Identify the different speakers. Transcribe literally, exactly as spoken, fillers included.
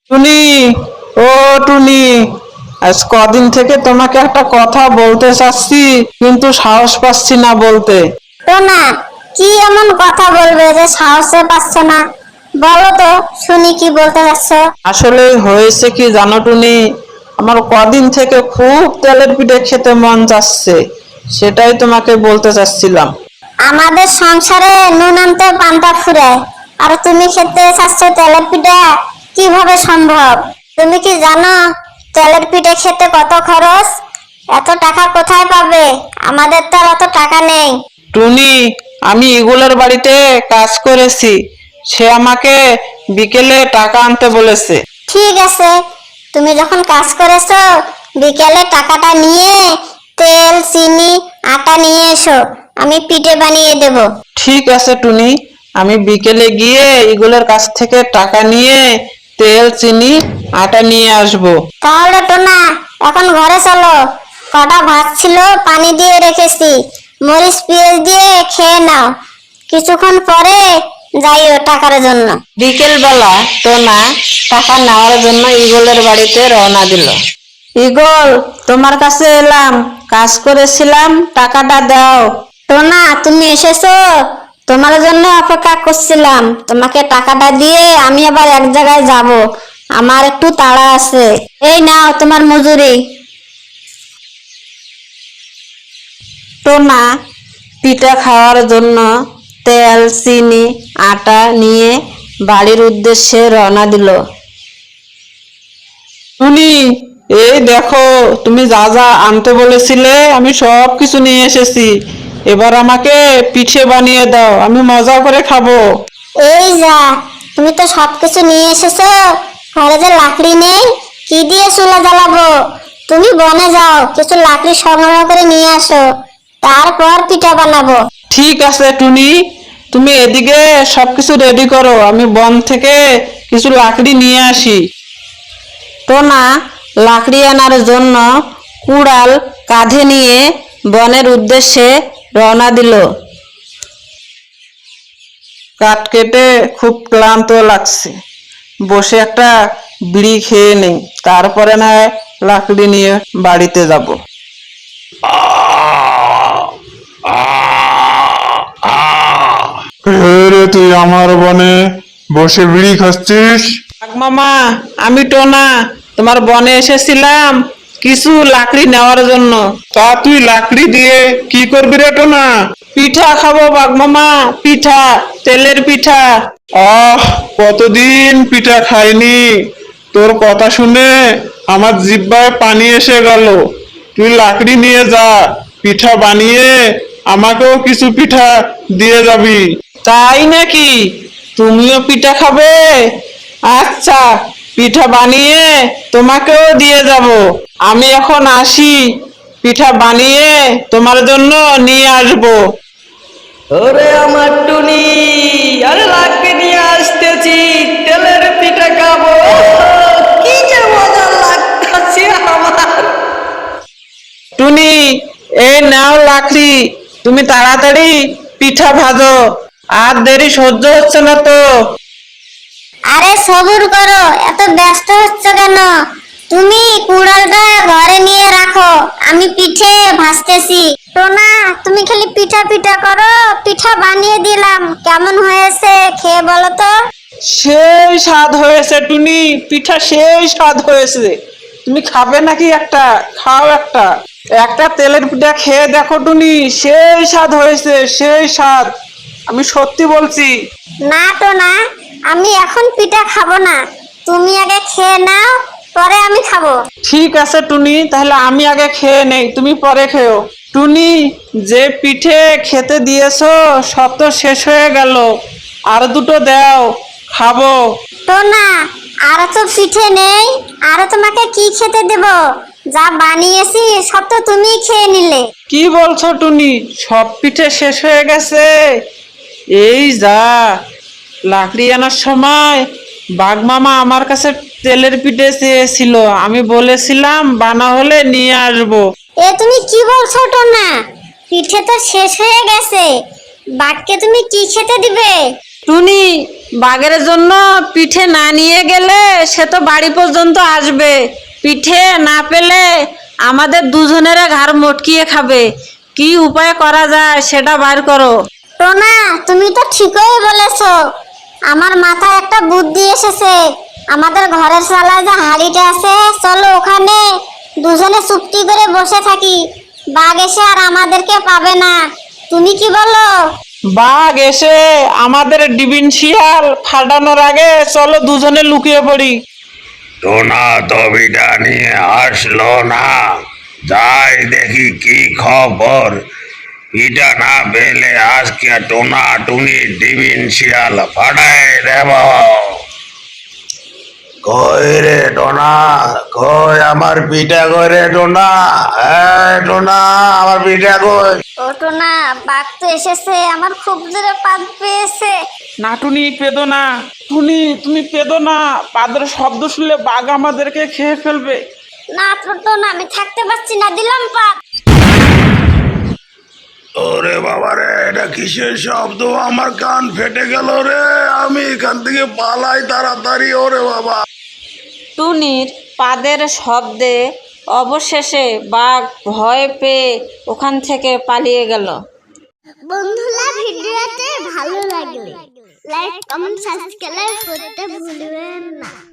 Speaker 1: টুনি, ও টুনি, আজ কদিন থেকে তোমাকে একটা কথা বলতে চাচ্ছি, কিন্তু সাহস পাচ্ছি না বলতে।
Speaker 2: টোনা, কি এমন কথা বলবে যে সাহসে পাচ্ছ না? বলো তো শুনি, কি বলতে চাচ্ছ?
Speaker 1: আসলে হয়েছে কি জানো টুনি, আমার কদিন থেকে খুব তেলের পিঠে খেতে মন যাচ্ছে, সেটাই তোমাকে বলতে চাচ্ছিলাম।
Speaker 2: আমাদের সংসারে নুন আনতে পান্তা ফুরায়, আর তুমি খেতে চাচ্ছ তেলের পিঠা? কিভাবে সম্ভব? তুমি কি জানো তেলের পিঠে খেতে কত খরচ? এত টাকা কোথায় পাবে? আমাদের তো আর অত টাকা নেই।
Speaker 1: টুনি, আমি ইগুলের বাড়িতে কাজ করেছি, সে আমাকে বিকেলে টাকা আনতে বলেছে।
Speaker 2: ঠিক আছে, তুমি যখন কাজ করেছো, বিকেলে টাকাটা নিয়ে তেল, চিনি, আটা নিয়ে এসো, আমি পিঠে বানিয়ে দেব।
Speaker 1: ঠিক আছে টুনি, আমি বিকেলে গিয়ে ইগুলের কাছ থেকে টাকা নিয়ে তেল, চিনি, আটা নিয়ে আসবো।
Speaker 2: তাহলে টোনা, এখন ঘরে চলো। কটা ভাত ছিল, পানি দিয়ে রেখেছি, মরিচ পেঁয়াজ দিয়ে খেয়ে নাও। কিছুক্ষণ পরে যাইও টাকার জন্য।
Speaker 1: বিকেল বেলা টোনা টাকা নেওয়ার জন্য ইগলের বাড়িতে রওনা দিল। ইগল, তোমার কাছে এলাম, কাজ করেছিলাম, টাকাটা দাও।
Speaker 2: টোনা, তুমি এসেছো? তোমার জন্য অপেক্ষা করছিলাম। তোমাকে টাকাটা দিয়ে আমি আবার এক জায়গায় যাব, আমার একটু তাড়া আছে। এই নাও তোমার মজুরি।
Speaker 1: টোনা পিঠা খাওয়ার জন্য তেল, চিনি, আটা নিয়ে বাড়ির উদ্দেশ্যে রওনা দিল। টুনি, এই দেখো, তুমি যা যা আনতে বলেছিলে আমি সব কিছু নিয়ে এসেছি, এবার আমাকে পিঠে বানিয়ে দাও, আমি মজা করে খাবো।
Speaker 2: এই যা, তুমি তো সবকিছু নিয়ে এসেছো, ঘরে যে লাকড়ি নেই, কি দিয়ে চুলা জ্বালাবো? তুমি বনে যাও, কিছু লাকড়ি সংগ্রহ করে নিয়ে আসো, তারপর পিঠা বানাবো।
Speaker 1: ঠিক আছে টুনি, তুমি এদিকে সবকিছু রেডি করো, আমি বন থেকে কিছু লাকড়ি নিয়ে আসি। টোনা লাকড়ি আনার জন্য কুড়াল কাঁধে নিয়ে বনের উদ্দেশ্যে রওনা দিল। কাঠ কেটে খুব ক্লান্ত লাগছে, বসে একটা বিড়ি খেয়ে নেই, তারপরে না হয় লাকড়ি নিয়ে বাড়িতে যাব।
Speaker 3: রে তুই আমার বনে বসে বিড়ি খাচ্ছিস?
Speaker 1: মামা, আমি টোনা, তোমার বনে এসেছিলাম কিছু লাকড়ি নেওয়ার জন্য।
Speaker 3: তা তুই লাকড়ি দিয়ে কি করবি রে টোনা?
Speaker 1: পিঠা খাবো বাঘ মামা, পিঠা, তেলের পিঠা।
Speaker 3: আহ, কতদিন পিঠা খাইনি, তোর কথা শুনে আমার জিহ্বায় পানি এসে গেল। তুই লাকড়ি নিয়ে যা, পিঠা বানিয়ে আমাকেও কিছু পিঠা দিয়ে যাবি।
Speaker 1: তাই নাকি? তুমিও পিঠা খাবে? আচ্ছা, পিঠা বানিয়ে তোমাকেও দিয়ে যাব। আমি এখন আসি, পিঠা বানিয়ে তোমার জন্য নিয়ে আসবো।
Speaker 4: ওরে আমার টুনি, আরে লাকড়ি নিয়ে আসতেছি, তেলের পিঠা খাবো। কি যে মজা লাগতেছে আমার।
Speaker 1: টুনি, এই নাও লাকড়ি, তুমি তাড়াতাড়ি পিঠা ভাজো, আর দেরি সহ্য হচ্ছে না তো।
Speaker 2: আরে সবুর করো, এত ব্যস্ত হচ্ছ কেন? তুমি কুড়ালটা ঘরে নিয়ে রাখো, আমি পিঠে ভাজতেছি। টোনা, তুমি খালি পিঠা পিঠা করো, পিঠা বানিয়ে দিলাম, কেমন হয়েছে খেয়ে বলো তো।
Speaker 1: সেই স্বাদ হয়েছে টুনি, পিঠা সেই স্বাদ হয়েছে। তুমি খাবে নাকি একটা? খাও একটা, একটা তেলের পিঠা খেয়ে দেখো টুনি, সেই স্বাদ হয়েছে, সেই স্বাদ, আমি সত্যি বলছি।
Speaker 2: না টোনা, আমি এখন পিঠা খাবো না, তুমি আগে খেয়ে নাও, পরে আমি খাবো।
Speaker 1: ঠিক আছে টুনি, তাহলে আমি আগে খেয়ে নেই, তুমি পরে খেও। টুনি, যে পিঠে খেতে দিয়েছো সব তো শেষ হয়ে গেল, আর দুটো দাও, খাবো।
Speaker 2: টোনা, আর তো পিঠে নেই, আর তোমাকে কি খেতে দেব? যা বানিয়েছি সব তো তুমি খেয়ে নিলে।
Speaker 1: কি বলছো টুনি, সব পিঠে শেষ হয়ে গেছে? এই যা, লাকড়ি আনার সময় বাঘ মামা আমার কাছে তেলের পিঠে চেয়েছিল, আমি বলেছিলাম বানা হলে নিয়ে আসবো।
Speaker 2: এ তুমি কি বলছো টোনা? পিঠে তো শেষ হয়ে গেছে, বাঘকে তুমি কি খেতে দিবে?
Speaker 1: টুনি, বাঘের জন্য পিঠে না নিয়ে গেলে সে তো বাড়ি পর্যন্ত আসবে। পিঠে না পেলে আমাদের দুজনের ঘাড় মটকিয়ে খাবে। কি উপায় করা যায় সেটা বার করো।
Speaker 2: টোনা, তুমি তো ঠিকই বলেছো। আমার মাথায় একটা বুদ্ধি এসেছে। আমাদের ঘরের চালায় যে হাড়িটা আছে, চলো ওখানে দুজনে চুপটি করে বসে থাকি। বাঘ এসে আর আমাদেরকে পাবে না। তুমি কি বলো?
Speaker 1: বাঘ এসে আমাদের ডিবিন শিয়াল ফাটানোর আগে চলো দুজনে লুকিয়ে পড়ি।
Speaker 5: টোনা তো পিঠা নিয়ে আসলো না, যাই দেখি কি খবর। পিঠা না পেলে আজকে টোনা টুনি ডিবিন শিয়াল ফাটাই দেব। কই রে টোনা, কই আমার পিঠা, কই রে টোনা, এই টোনা আমার পিঠা কই?
Speaker 2: ও টোনা, বাঘ তো এসেছে, আমার খুব জোরে পাদ পেয়েছে।
Speaker 1: না টুনি, পেদো না। টুনি, তুমি পেদো না, পাদের শব্দ শুনলে বাঘ আমাদেরকে খেয়ে ফেলবে।
Speaker 2: না তো টোনা, আমি থাকতে পারছি না, দিলাম পাদ।
Speaker 5: ওরে বাবা রে, এটা কিসের শব্দ? আমার কান ফেটে গেল রে, আমি এখান থেকে পালাই তাড়াতাড়ি। ওরে বাবা,
Speaker 1: টুনির পাদের শব্দে অবশেষে বাঘ ভয় পেয়ে ওখান থেকে পালিয়ে গেল।
Speaker 2: বন্ধুরা, ভিডিওতে ভালো লাগলে লাইক কমেন্ট সাবস্ক্রাইব করতে ভুলবেন না।